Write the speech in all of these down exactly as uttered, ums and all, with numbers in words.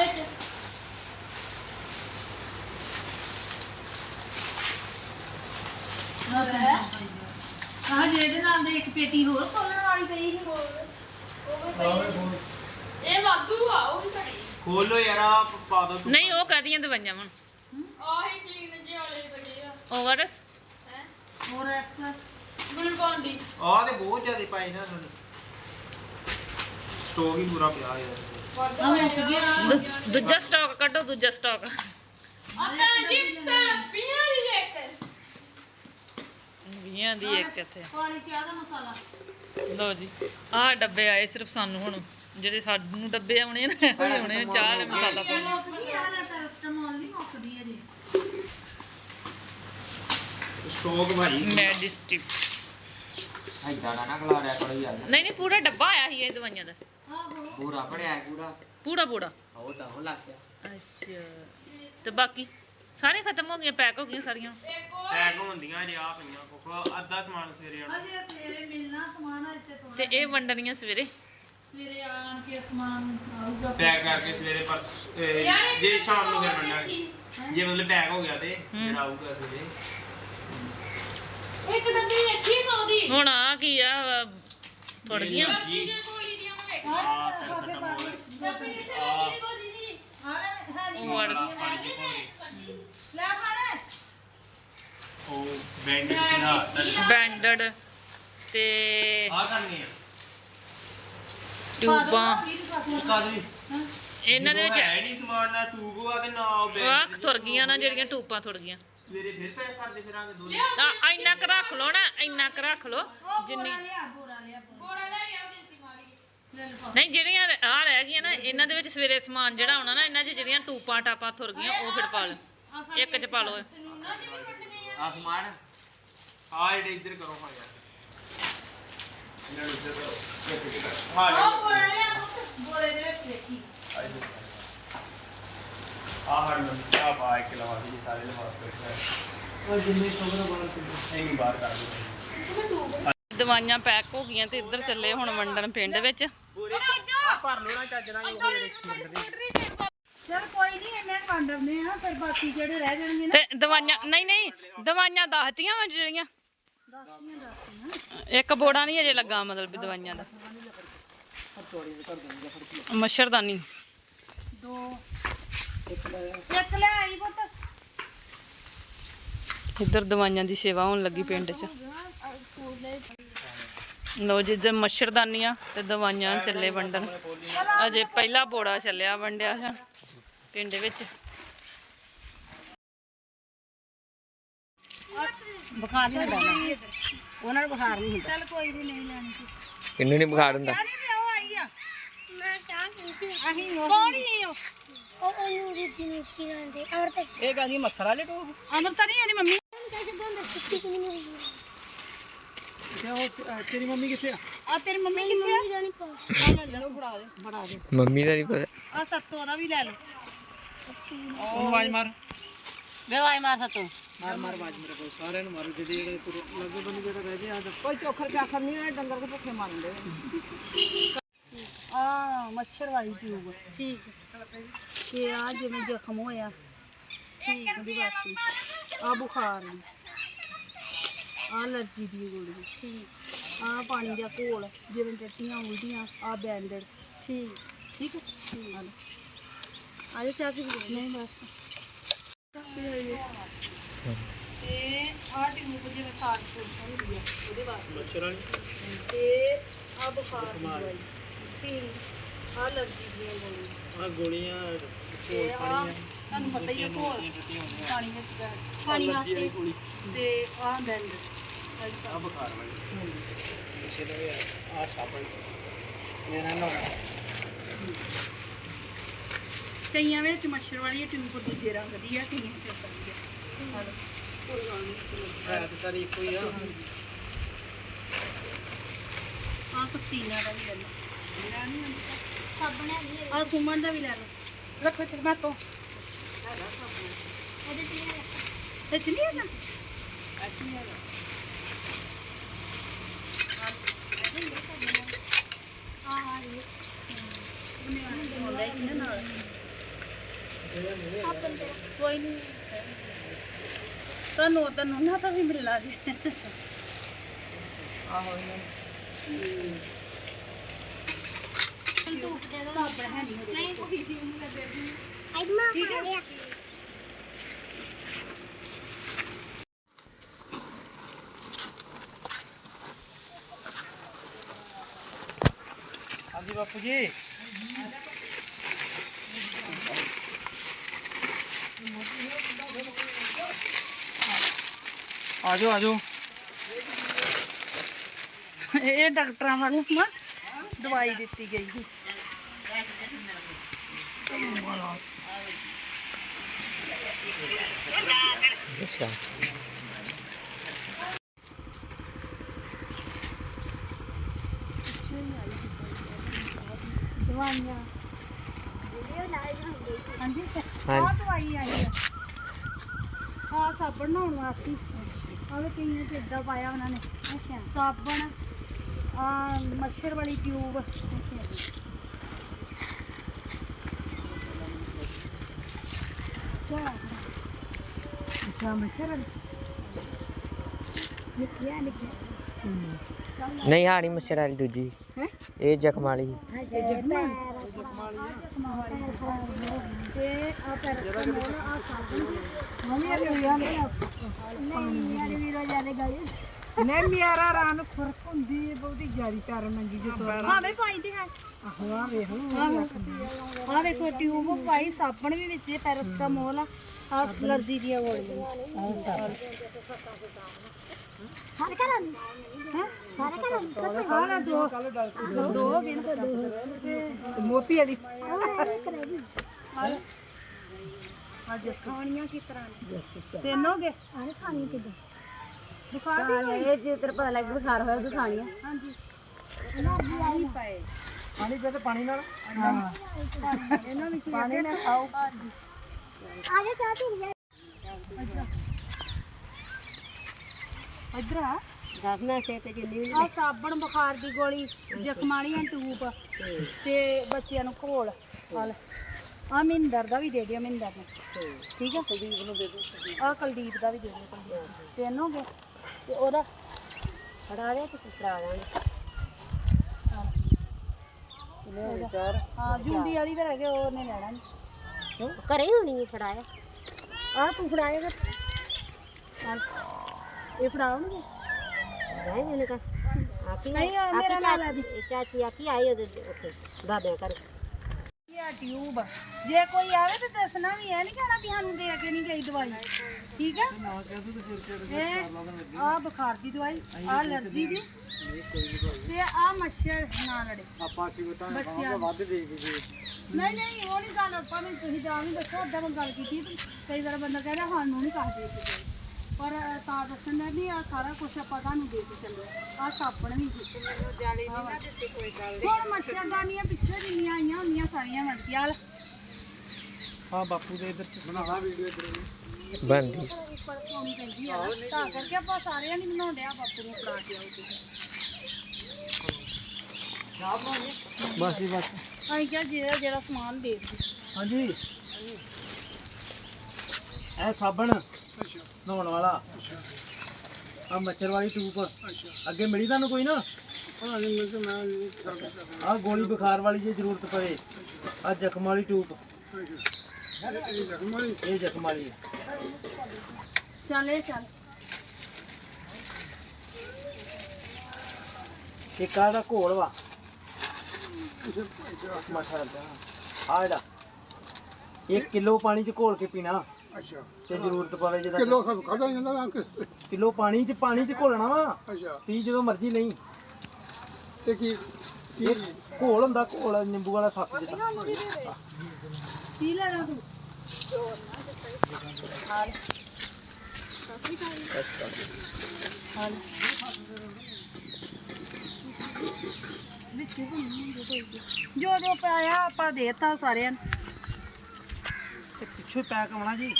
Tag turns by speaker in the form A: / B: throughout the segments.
A: ਆਹ ਜਿਹਦੇ ਨਾਲ ਦੇ ਇੱਕ ਪੇਟੀ ਹੋਰ ਖੋਲਣ ਵਾਲੀ ਪਈ ਸੀ
B: ਇਹ ਵਾਧੂ ਆ ਉਹ ਵੀ ਘੜੀ
C: ਖੋਲੋ ਯਾਰ ਆ ਪਾ ਦੋ
D: ਨਹੀਂ ਉਹ ਕਾਦੀਆਂ ਦਵਾਈਆਂ ਹੁਣ
B: ਆਹੀ ਕਲੀਨ ਜੇ ਵਾਲੇ ਬੜੇ ਆ
D: ਓਵਰਸ
B: ਹੈ
A: ਹੋਰ ਐਕਸ
B: ਗਲੂਕੋਨ ਡੀ
C: ਆ ਤੇ ਬਹੁਤ ਜ਼ਿਆਦਾ ਪਾਈ ਨਾ ਉਹਨਾਂ ਨੇ ਸਟੋਕ ਹੀ ਪੂਰਾ ਪਿਆ ਯਾਰ
A: ਆ ਵਿੱਚ ਗਿਆ
D: ਦੂਜਾ ਸਟਾਕ ਕੱਢੋ ਦੂਜਾ ਸਟਾਕ
B: ਆਪਾਂ ਜਿੱਤ ਪੀਆਂ ਦੀ ਇੱਕ
D: ਵੀਹਾਂ ਦੀ ਇੱਕ ਇੱਥੇ
A: ਪਾਣੀ ਚਾਹ ਦਾ ਮਸਾਲਾ
D: ਲਓ ਜੀ ਆਹ ਡੱਬੇ ਆਏ ਸਿਰਫ ਸਾਨੂੰ ਹੁਣ ਜਿਹੜੇ ਸਾਨੂੰ ਡੱਬੇ ਆਉਣੇ ਨਾ ਇਹੋ ਜਿਹੇ ਆਉਣੇ ਚਾਹ ਵਾਲੇ ਮਸਾਲਾ ਪਾਉਣਾ
A: ਮੁੱਕਦੀ ਆ ਲੈ ਪੈਰਾਸਟਾਮੋਲ ਨਹੀਂ ਮੁੱਕਦੀ ਅਜੇ
C: ਸਟੋਕ ਭਾਈ
D: ਮੈਜਿਸਟਿਕ
E: ਐਦਾਂ ਨਾ ਖਲਾ ਰਿਆ ਕਰੋ ਯਾਰ
D: ਨਹੀਂ ਨਹੀਂ ਪੂਰਾ ਡੱਬਾ ਆਇਆ ਸੀ ਇਹ ਦਵਾਈਆਂ ਦਾ
A: ਆਹੋ
E: ਪੂਰਾ ਪੜਿਆ ਪੂਰਾ
D: ਪੂਰਾ ਪੂਰਾ
E: ਉਹ ਤਾਂ ਹੋ ਲੱਗ ਗਿਆ
D: ਅੱਛਾ ਤੇ ਬਾਕੀ ਸਾਰੀਆਂ ਖਤਮ ਹੋ ਗਈਆਂ ਪੈਕ ਹੋ ਗਈਆਂ ਸਾਰੀਆਂ
B: ਇੱਕ ਹੋਰ
C: ਪੈਕ ਹੁੰਦੀਆਂ ਜੇ ਆ ਪਈਆਂ ਕੋਕੋ ਅੱਧਾ ਸਮਾਨ ਸਵੇਰੇ ਆਣਾ
A: ਅਜੇ ਸਵੇਰੇ ਮਿਲਣਾ ਸਮਾਨ ਅੱਜ ਤੇ ਥੋੜਾ
D: ਤੇ ਇਹ ਵੰਡਣੀਆਂ ਸਵੇਰੇ
A: ਸਵੇਰੇ ਆਣ ਕੇ ਸਮਾਨ ਆਊਗਾ
C: ਪੈਕ ਕਰਕੇ ਸਵੇਰੇ ਪਰ ਇਹ ਜੇ ਸ਼ਾਮ ਨੂੰ ਫਿਰ ਮੰਨਾਂਗੇ ਜੇ ਮਤਲਬ ਪੈਕ ਹੋ ਗਿਆ ਤੇ ਜਿਹੜਾ ਆਊਗਾ ਸਵੇਰੇ
B: ਇੱਕ ਡੱਬੀ ਇੱਥੇ ਪਾਉਦੀ
D: ਹੁਣ ਆ ਕੀ ਆ ਥੋੜ ਗਈਆਂ
B: ਜੀ ਜੇ ਗੋਲੀ ਦੀਆਂ ਮੈਂ ਵੇਖ
C: ਆ ਪੈਰਾਸੀਟਾਮੋਲ
B: ਡੱਬੀ ਇੱਥੇ ਲੱਗੀ ਦੀ ਗੋਲੀ ਦੀ
A: ਹਾਂ
D: ਉਹ ਵੜ
C: ਪਾਣੀ ਦੀ ਘੋਲੀ
A: ਲੈ ਫੜ
C: ਉਹ ਬੈਂਡ ਕਿਹਾ
D: ਬੈਂਡਡ ਤੇ
C: ਆ ਕਰਨੀ ਆ
D: ਟਿਊਬਾਂ
C: ਕਾਦੀ
D: ਇਹਨਾਂ ਦੇ ਵਿੱਚ
C: ਹੈ ਨਹੀਂ ਸਮਾਨ ਨਾ ਟੂਬ ਆ ਤੇ ਨਾ ਉਹ
D: ਆਹ
C: ਬੈਂਡ
D: ਤੁਰ ਗਈਆਂ ਨਾ ਜਿਹੜੀਆਂ ਟੂਬਾਂ ਤੁਰ ਗਈਆਂ
C: ਸਵੇਰੇ ਫਿਰ ਪੈਕ ਕਰਦੇ ਫਿਰਾਂਗੇ ਦੋ
D: ਆ ਇੰਨਾ ਕੁ ਰੱਖ ਲਓ ਨਾ ਇੰਨਾ ਕੁ ਰੱਖ ਲਓ ਜਿੰਨੀ
A: ਲਿਆ ਬੋਰਾ ਲਿਆ
B: ਗੋੜਾ ਲੈ ਗਿਆ ਜਿੰਤੀ ਮਾਰੀ
A: ਲੈ ਲਫਾ
D: ਨਹੀਂ ਜਿਹੜੀਆਂ ਆ ਰਹਿ ਗਈਆਂ ਨਾ ਇਹਨਾਂ ਦੇ ਵਿੱਚ ਸਵੇਰੇ ਸਮਾਨ ਜਿਹੜਾ ਆਉਣਾ ਨਾ ਇਹਨਾਂ 'ਚ ਜਿਹੜੀਆਂ ਟੂਪਾਂ ਟਾਪਾਂ ਤੁਰ ਗਈਆਂ ਉਹ ਫਿਰ ਪਾ ਲਓ ਇੱਕ 'ਚ ਪਾ ਲਓ
B: ਨੂਨਾ ਜਿਵੇਂ ਕੱਟਨੇ ਆ
E: ਆਸਮਾਨ
C: ਆ ਜਿਹੜੇ ਇੱਧਰ ਕਰੋ ਹਾਂ ਯਾਰ ਇਹਨਾਂ ਨੂੰ ਇੱਧਰ ਕਰੋ ਹਾਂ
A: ਉਹ ਬੋਰਾ ਲਿਆ ਪੁੱਤ ਬੋਰੇ ਦੇ ਵਿੱਚ ਦੇਖੀ
C: ਆ ਹਰ ਨੂੰ ਆ ਪਾ ਇੱਕ ਲਵਾ ਦੀ ਸਾਰੇ ਲਵਾ ਕੇ ਉਹ ਜਿੰਨੇ ਸੋਗਰਾ ਬਣ ਕੇ ਇਹ ਵੀ ਬਾਹਰ ਕਰ ਦੋ
D: ਦਵਾਈਆਂ ਪੈਕ ਹੋ ਗਈਆਂ ਤੇ ਇੱਧਰ ਚੱਲੇ ਹੁਣ ਵੰਡਣ ਪਿੰਡ ਵਿੱਚ
C: ਆ ਭਰ ਲੋ ਨਾ ਚੱਜ ਨਾਲ ਉਹ ਜਿਹੜੇ
A: ਚਲ ਕੋਈ ਨਹੀਂ ਇਹਨੇ ਵੰਡਨੇ ਆ ਫਿਰ ਬਾਕੀ ਜਿਹੜੇ ਰਹਿ ਜਾਣਗੇ ਨਾ
D: ਤੇ ਦਵਾਈਆਂ ਨਹੀਂ ਨਹੀਂ ਦਵਾਈਆਂ ਦੱਸਤੀਆਂ ਵਾ ਜਿਹੜੀਆਂ
A: ਦੱਸਦੀਆਂ ਦੱਸਦੀਆਂ
D: ਇੱਕ ਬੋੜਾ ਨਹੀਂ ਅਜੇ ਲੱਗਾ ਮਤਲਬ ਵੀ ਦਵਾਈਆਂ ਦਾ ਮੱਛਰਦਾਨੀ
A: ਦੋ ਇੱਕ ਲੈ ਆਈ ਪੁੱਤ
D: ਇੱਧਰ ਦਵਾਈਆਂ ਦੀ ਸੇਵਾ ਹੋਣ ਲੱਗੀ ਪਿੰਡ 'ਚ ਲੋ ਜਿੱਦਾਂ ਮੱਛਰਦਾਨੀਆਂ ਤੇ ਦਵਾਈਆਂ ਚੱਲੇ ਵੰਡਣ ਅਜੇ ਪਹਿਲਾ ਬੋੜਾ ਚੱਲਿਆ ਵੰਡਿਆ ਹੈ ਪਿੰਡ ਵਿੱਚ
A: ਬੁਖਾਰ ਨਹੀਂ ਹੁੰਦਾ ਉਹਨਾਂ ਨੂੰ ਬੁਖਾਰ ਨਹੀਂ ਹੁੰਦਾ ਚਲ ਕੋਈ ਨਹੀਂ ਨਹੀਂ ਲੈਣੀ
E: ਕਿੰਨੂੰ ਨਹੀਂ ਬੁਖਾਰ ਹੁੰਦਾ
A: ਚਾਹ ਨਹੀਂ ਉਹ ਆਈ ਆ
F: ਮੈਂ ਚਾਹ ਪੀਤੀ
A: ਅਸੀਂ ਕੌਣ ਹੀ ਉਹ
F: ਉਹ ਉਹਨੂੰ ਦਿੱਤੀ ਮਿੱਟੀ ਨਾਲ ਦੇ ਔਰ ਤੇ
E: ਇਹ ਕਹਿੰਦੀ ਮੱਛਰ ਵਾਲੇ ਟੂ
A: ਅਮਰ ਤਾਂ ਨਹੀਂ ਆਣੀ ਮੰਮੀ
F: कैसे बंद छुट्टी की नहीं हुई
E: ਤੇਰੀ ਮੰਮੀ ਕਿੱਥੇ ਆ
A: ਆ ਤੇਰੀ ਮੰਮੀ ਕਿੱਥੇ ਆ
F: जानी पर
A: ਚਲੋ ਫੜਾ ਦੇ ਫੜਾ ਦੇ
E: ਮੰਮੀ ਦਾ ਨਹੀਂ ਪਤਾ
A: ਆ ਸੱਤੋ ਦਾ ਵੀ ਲੈ ਲਓ
E: ਉਹ ਆਵਾਜ਼ ਮਾਰ
A: ਬੇਵਾਈ ਮਾਰ ਸੱਤੋ
E: ਮਾਰ ਮਾਰ ਆਵਾਜ਼ ਮੇਰੇ ਕੋਲ ਸਾਰਿਆਂ ਨੂੰ ਮਾਰੂ ਜਿਹੜੇ ਜਿਹੜੇ ਲੱਗੇ ਬੰਦੇ ਜਿਹੜਾ ਰਹਿ ਜੇ ਆ ਕੋਈ ਚੋਖਰ ਚਾਖਰ ਨਹੀਂ ਆ ਡੰਗਰ ਦੇ ਭੁੱਖੇ ਮਾਰਦੇ
A: ਆ ਮੱਛਰ ਵਾਲੀ ਟਿਊਬ
F: ठीक
A: ਤੇ ਆ ਜਿਵੇਂ ਜ਼ਖਮ ਹੋਇਆ ਠੀਕ ਉਹਦੀ ਵਾਸਤੇ ਆ ਬੁਖਾਰ ਦੀ ਆ ਅਲਰਜੀ ਦੀ ਗੋਲੀ ਠੀਕ ਆ ਪਾਣੀ ਦਾ ਘੋਲ ਜਿਵੇਂ ਟੱਟੀਆਂ ਉਲਟੀਆਂ ਆ ਬੈਂਡਡ
F: ठीक
A: ਠੀਕ ਹੈ ਆ ਲਓ।
F: आज चाय पी
A: ਨਹੀਂ ਬਸ ਇਹ ਆ ਟਿਊਬ ਜਿਵੇਂ ਖਾਦ ਹੁੰਦੀ ਆ ਉਹਦੇ ਵਾਸਤੇ
C: ਮੱਛਰ ਵਾਲੀ
A: ਤੇ ਆ ਬੁਖਾਰ ਦੀ ਦਵਾਈ ਠੀਕ ਆ ਅਲਰਜੀ ਦੀਆਂ ਗੋਲੀਆਂ
C: ਆ ਗੋਲੀਆਂ
A: ਤੇ ਆ ਤੁਹਾਨੂੰ ਪਤਾ ਹੀ ਆ ਘੋਲ ਪਾਣੀ ਵਿੱਚ ਪੈ
F: पानी वास्ते
A: ਤੇ ਆ ਬੈਂਡ
C: ਆ ਬੁਖਾਰ ਵਾਲੀ ਮੱਛਰ ਦਾ ਆ ਸਾਬਣ ਮੇਰਾ ਨਾਮ
A: ਕਈਆਂ ਵਿੱਚ ਮੱਛਰ ਵਾਲੀ ਟਿਊਬ ਦੂਜੇ ਰੰਗ ਦੀ ਆ ਕਈਆਂ ਚ ਇਦਾਂ ਦੀ ਆ ਆ ਲਓ। ਕੋਈ ਗੱਲ ਨਹੀਂ
C: ਹੈ ਤੇ ਸਾਰੀ ਇੱਕੋ ਹੀ ਆ
A: ਆ ਪਤੀਨਾ ਦਾ ਵੀ ਲੈ ਲਓ ਮੇਰਾ ਨਹੀਂ ਹੁੰਦਾ
F: साबुन है नहीं
A: ਆ ਸੁਮਨ ਦਾ ਵੀ ਲੈ ਲਓ ਰੱਖੋ ਤੇ ਮੈਂ ਤੋਂ
F: अरे ठीक है
A: ਤੇ ਚਲੀ ਆ ਨਾ
F: हां हां ये
A: ਉਹਨੇ ਆਉਣਾ ਹੀ ਨਾਲ ਕੋਈ ਨਹੀਂ ਤੁਹਾਨੂੰ ਤੁਹਾਨੂੰ ਨਾ ਤਾਂ ਵੀ ਮਿਲਣਾ ਜੀ
E: ਆਹੋ ਇਹਨਾਂ
F: ਧੂਪ ਦੇ ਦੋ ਨਹੀਂ ਕੋਈ ਨਹੀਂ ਮੈਂ ਦੇ ਦੂੰ ਆਈਮਾ ਫੜ ਲਿਆ
C: ਹਾਂਜੀ ਬਾਪੂ ਜੀ ਆਜੋ ਆਜੋ
A: ਇਹ ਡਾਕਟਰਾਂ ਵੱਲੋਂ ਨਾ ਦਵਾਈ ਦਿੱਤੀ ਗਈ ਸੀ
C: ਅੱਛਾ
F: ਦਵਾਈਆਂ ਵੀਡੀਓ ਲਾਈਵ ਹੁੰਦੀ
A: ਹਾਂਜੀ ਆਹ ਦਵਾਈ ਆਈ ਆ ਆਹ ਸਾਬਣ ਨਹਾਉਣ ਵਾਸਤੇ ਆਹ ਵੇ ਕਈਆਂ ਚ ਏਦਾਂ ਪਾਇਆ ਉਹਨਾਂ ਨੇ
F: ਅੱਛਾ
A: ਸਾਬਣ ਆ ਮੱਛਰ ਵਾਲੀ ਟਿਊਬ ਅੱਛਾ ਮੱਛਰ ਵਾਲੀ
F: ਨਿੱਕੀਆਂ ਨਿੱਕੀਆਂ
G: ਨਹੀਂ ਹਾਣੀ ਮੱਛਰ ਵਾਲੀ ਦੂਜੀ
A: ਹੈਂ?
G: ਇਹ ਜ਼ਖਮ ਵਾਲੀ
A: ਇਹ ਜਖਮਾਂ ਤੇ ਆ ਪੈਰਾਸੀਟਾਮੋਲ ਆ ਸਾਬਣ ਮੰਮੀ ਇਹ ਲਿਆ
F: ਨਹੀਂ ਯਾਰ ਵੀਰੋ ਜਾਨੇ ਗਏ
E: ਨੇ ਮਿਆਰਾ ਰਾਂ ਨੂੰ ਖੁਰਕ ਹੁੰਦੀ ਹੈ ਬਹੁਤੀ ਜ਼ਿਆਦੀ ਪੈਰ ਮੰਗੀ ਜੋ
A: ਹਾਂ ਵੇ ਪਾਈ ਤੇ ਹੈ
E: ਆਹੋ ਆ ਵੇਖ
A: ਆ ਵੇਖੋ ਟਿਊਬ ਪਾਈ ਸਾਬਣ ਵੀ ਵਿੱਚ ਪੈਰਾਸੀਟਾਮੋਲ ਆ ਆ ਅਲਰਜੀ ਦੀਆਂ ਗੋਲੀਆਂ
F: ਸਾਰੇ ਘਰਾਂ ਨੂੰ ਹਾਂ ਸਾਰੇ ਘਰਾਂ ਨੂੰ
A: ਆ ਨਾ ਦੋ ਦੋ ਵੀ ਨਾ
E: ਮੋਤੀ ਵਾਲੀ
A: ਅੱਜ ਖਾਣੀਆਂ ਕਿਸ ਤਰ੍ਹਾਂ ਤਿੰਨ ਹੋ ਗਏ
F: ਆਰੇ ਖਾਣੀ ਕਿਦਾਂ
A: ਬੁਖਾਰ ਵੀ
F: ਇਹ ਜੇ ਤੇਰੇ ਪਤਾ ਲੱਗ ਬੁਖਾਰ ਹੋਇਆ ਤੂੰ ਖਾਣੀ ਆ
A: ਹਾਂਜੀ
F: એનર્ਜੀ ਆਈ
A: ਪਏ
E: ਪਾਣੀ ਦੇ ਤੇ ਪਾਣੀ ਨਾਲ
A: ਇਹਨਾਂ ਵਿੱਚ
E: ਪਾਣੀ ਨਾਲ ਖਾਓ
F: ਆਰੇ ਚਾਹ ਪੀ ਜਾ
A: ਇੱਧਰ ਆ
F: ਦਸ ਮੈਂ ਸੇ ਤੇ ਜਿੰਨੀ ਵੀ
A: ਆ ਸਾਬਣ ਬੁਖਾਰ ਦੀ ਗੋਲੀ ਜ਼ਖਮਾਂ ਵਾਲੀਆਂ ਟੂਬ ਤੇ ਬੱਚਿਆਂ ਨੂੰ ਘੋਲ ਹਲ ਆ ਮਿੰਦਰ ਦਾ ਵੀ ਦੇ ਦਿਓ ਮਿੰਦਰ ਨੂੰ ਠੀਕ ਆ ਕੁਲਦੀਪ ਨੂੰ ਦੇ ਦਿਓ ਆ ਕੁਲਦੀਪ ਦਾ ਵੀ ਦੇ ਦਿਓ ਕੁਲਦੀਪ ਤਿੰਨ ਹੋ ਗਏ ਤੇ ਉਹਦਾ
F: ਫੜਾ ਦੇ ਤੇ ਫੜਾ ਦਾਂਗੇ
A: ਹਾਂ ਜੁੰਡੀ ਵਾਲੀ ਤਾਂ ਰਹਿ ਗਏ ਉਹ ਉਹਨੇ ਲੈਣਾ ਨਹੀਂ
F: ਘਰੇ ਹੀ ਹੋਣੀ ਫੜਾਇਆ
A: ਆ ਤੂੰ ਫੜਾਏਗਾ ਇਹ ਫੜਾਉਣਗੇ
F: ਰਹਿ ਜਨੇ ਕਾ ਆਕੀ
A: ਨਹੀਂ, ਉਹ ਮੇਰਾ ਨਾਲ ਆ ਦੀ।
F: ਚਾਚੀ ਆਕੀ ਆਈ ਉਹਦੇ ਉੱਥੇ ਬਾਬਿਆਂ ਕਰ
A: ਇਹ ਟਿਊਬ ਜੇ ਕੋਈ ਆਵੇ ਤਾਂ ਦੱਸਣਾ ਵੀ ਇਹ ਨਹੀਂ ਕਹਿਣਾ ਵੀ ਸਾਨੂੰ ਦੇ ਕੇ ਨਹੀਂ ਗਈ ਦਵਾਈ ਠੀਕ ਆ ਇਹ ਆ ਬੁਖਾਰ ਦੀ ਦਵਾਈ ਆ ਅਲਰਜੀ ਦੀ ਤੇ ਆ ਮੱਛਰ ਨਾ ਲੜੇ
C: ਆਪਾਂ ਕੀ ਬਤਾ
A: ਬੱਚਿਆਂ ਨੂੰ।
C: ਵੱਧ ਦੇ ਦੇ
A: ਨਹੀਂ ਨਹੀਂ ਉਹ ਨਹੀਂ ਗੱਲ ਆਪਾਂ ਨੂੰ ਤੁਸੀਂ ਜਾਣ ਨਹੀਂ ਦੱਸੋ ਅੱਧਾ ਮੈਂ ਗੱਲ ਕੀਤੀ ਤੇ ਕਈ ਵਾਰ ਬੰਦਾ ਕਹਿੰਦਾ ਸਾਨੂੰ ਨਹੀਂ ਕਹਦੇ ਸੀ ਪਰ ਤਾਂ ਦੱਸਣ ਦਾ ਨਹੀਂ ਆ ਸਾਰਾ ਕੁਝ ਆਪਾਂ ਤੁਹਾਨੂੰ ਦੇ ਕੇ ਚੱਲੇ ਆ ਸਾਬਣ ਵੀ ਜਾਲੇ ਨਹੀਂ ਨਾ ਦਿੱਤੇ ਕੋਈ ਗੱਲ ਹੁਣ ਮੱਛਰਦਾਨੀਆਂ ਪਿੱਛੇ ਜਿੰਨੀਆਂ ਆਈਆਂ ਹੁੰਦੀਆਂ ਸਾਰੀਆਂ ਮਿਲ ਗਈਆਂ
C: ਹਾਂ ਬਾਪੂ ਦੇ ਇੱਧਰ ਬਣਾ ਵੀਡੀਓ ਇੱਧਰ
G: ਬਣਦੀ
A: ਉੱਪਰ ਪਾਉਣੀ ਪੈਂਦੀ ਆ ਨਾ, ਤਾਂ ਕਰਕੇ ਆਪਾਂ ਸਾਰਿਆਂ ਨਹੀਂ ਬਣਾਉਂਦੇ ਆ ਬਾਪੂ ਨੂੰ ਫੜਾ ਕੇ ਆਓ ਤੁਸੀਂ
C: ਬਸ ਜੀ ਬਸ
A: ਅਸੀਂ ਕਿਹਾ ਜਿਹੜਾ ਜਿਹੜਾ ਸਮਾਨ ਦੇ ਦਿਓ
C: ਹਾਂਜੀ ਇਹ ਸਾਬਣ ਨਹਾਉਣ ਵਾਲਾ ਆ ਮੱਛਰ ਵਾਲੀ ਟੂਪ ਅੱਗੇ ਮਿਲੀ ਤੁਹਾਨੂੰ ਕੋਈ ਨਾ ਆ ਗੋਲੀ ਬੁਖਾਰ ਵਾਲੀ ਜੇ ਜ਼ਰੂਰਤ ਪਵੇ ਆ ਜ਼ਖਮ ਵਾਲੀ ਟੂਪ ਇਹ ਜ਼ਖਮ ਵਾਲੀ ਹੈ
A: ਚੱਲ ਇਹ ਚੱਲ
C: ਇੱਕ ਆ ਦਾ ਘੋਲ ਵਾ ਮੱਛਰ ਦਾ ਆ ਜਿਹੜਾ ਇੱਕ ਕਿਲੋ ਪਾਣੀ ਚ ਘੋਲ ਕੇ ਪੀਣਾ
H: ਅੱਛਾ
C: ਤੇ ਜ਼ਰੂਰਤ ਪਵੇ ਜਿਹਦਾ
H: ਕਿਲੋ ਖਾਦਾ ਜਾਂਦਾ ਨਾ ਅੰਕ
C: ਕਿਲੋ ਪਾਣੀ ਚ ਪਾਣੀ ਚ ਘੋਲਣਾ ਵਾ
H: ਅੱਛਾ
C: ਪੀ ਜਦੋਂ ਮਰਜ਼ੀ ਨਹੀਂ
H: ਤੇ ਕੀ ਕੀ
C: ਘੋਲ ਹੁੰਦਾ ਘੋਲ ਨਿੰਬੂ ਵਾਲਾ ਸੱਪ ਜਿਹਾ
A: ਪੀ ਲੈਣਾ ਤੂੰ ਜੋ ਜੋ ਪਾਇਆ ਆਪਾਂ ਦੇਤਾ ਸਾਰਿਆਂ ਨੂੰ
C: ਤੇ ਪਿੱਛੋਂ ਪੈਕ ਆਉਣਾ ਜੀ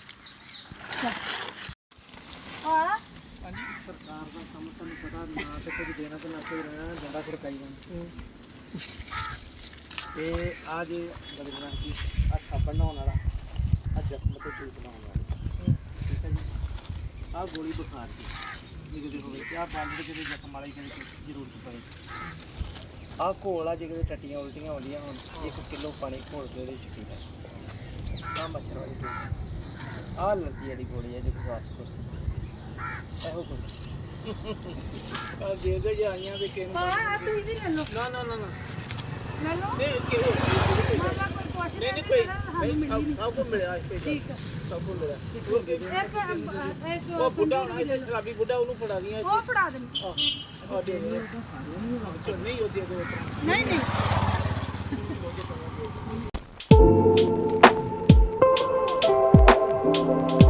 A: ਆ
C: ਸਰਕਾਰ ਦਾ ਕੰਮ ਤੁਹਾਨੂੰ ਪਤਾ ਨਾ ਤੇ ਕੁਝ ਦੇਣਾ ਤੇ ਨਾ ਕੋਈ ਰਹਿਣਾ ਜ਼ਿਆਦਾ ਖੜਕਾਈ ਜਾਂਦਾ ਤੇ ਆ ਜੇ ਬਦਲਣਾ ਕੀ ਆ ਸਾਬਣ ਨਹਾਉਣ ਵਾਲਾ ਆਹ ਗੋਲੀ ਬੁਖਾਰ ਦੀ ਜੇ ਕਿਤੇ ਹੋਵੇ ਤੇ ਆਹ ਬੰਦ ਦੇ ਕਿਤੇ ਜ਼ਖਮ ਵਾਲੀ ਕਿਤੇ ਜ਼ਰੂਰਤ ਪਵੇ ਆਹ ਘੋਲ ਆ ਜੇ ਕਿਤੇ ਟੱਟੀਆਂ ਉਲਟੀਆਂ ਆਉਂਦੀਆਂ ਹੁਣ ਇੱਕ ਕਿਲੋ ਪਾਣੀ ਘੋਲ ਕੇ ਉਹਦੇ ਚ ਪੀਣਾ ਆਹ ਮੱਛਰ ਵਾਲੀ ਗੋਲੀ ਆਹ ਲੱਗੀ ਜਿਹੜੀ ਗੋਲੀ ਹੈ ਜੋ ਖਵਾਸ ਕਰ ਇਹੋ ਕੁਝ ਆ ਦੇ ਦੇ ਜਾਈਆਂ ਤੇ ਕਿਹਨੂੰ
A: ਹਾਂ ਤੁਸੀਂ ਵੀ ਲੈ ਲਓ
C: ਨਾ ਨਾ ਨਾ ਨਾ
A: ਲੈ ਲਓ
C: ਨਹੀਂ ਕਿਹੋ
A: ਮਾਤਾ ਕੋਈ ਕੁਛ
C: ਨਹੀਂ ਨਹੀਂ ਕੋਈ ਸਭ ਸਭ ਕੋ ਮਿਲਿਆ ਇੱਥੇ ਠੀਕ ਹੈ ਸਭ ਕੋ ਮਿਲਿਆ ਉਹ ਦੇ ਦੇ
A: ਇੱਕ ਇੱਕ
C: ਉਹ ਬੁੱਢਾ ਹੋਣਾ ਇੱਥੇ ਸ਼ਰਾਬੀ ਬੁੱਢਾ ਉਹਨੂੰ ਫੜਾ ਦੀਆਂ
A: ਉਹ ਫੜਾ ਦੇਣੀ
C: ਆ ਦੇ ਦੇ ਨਹੀਂ ਉਹ ਦੇ ਦੇ
A: ਨਹੀਂ ਨਹੀਂ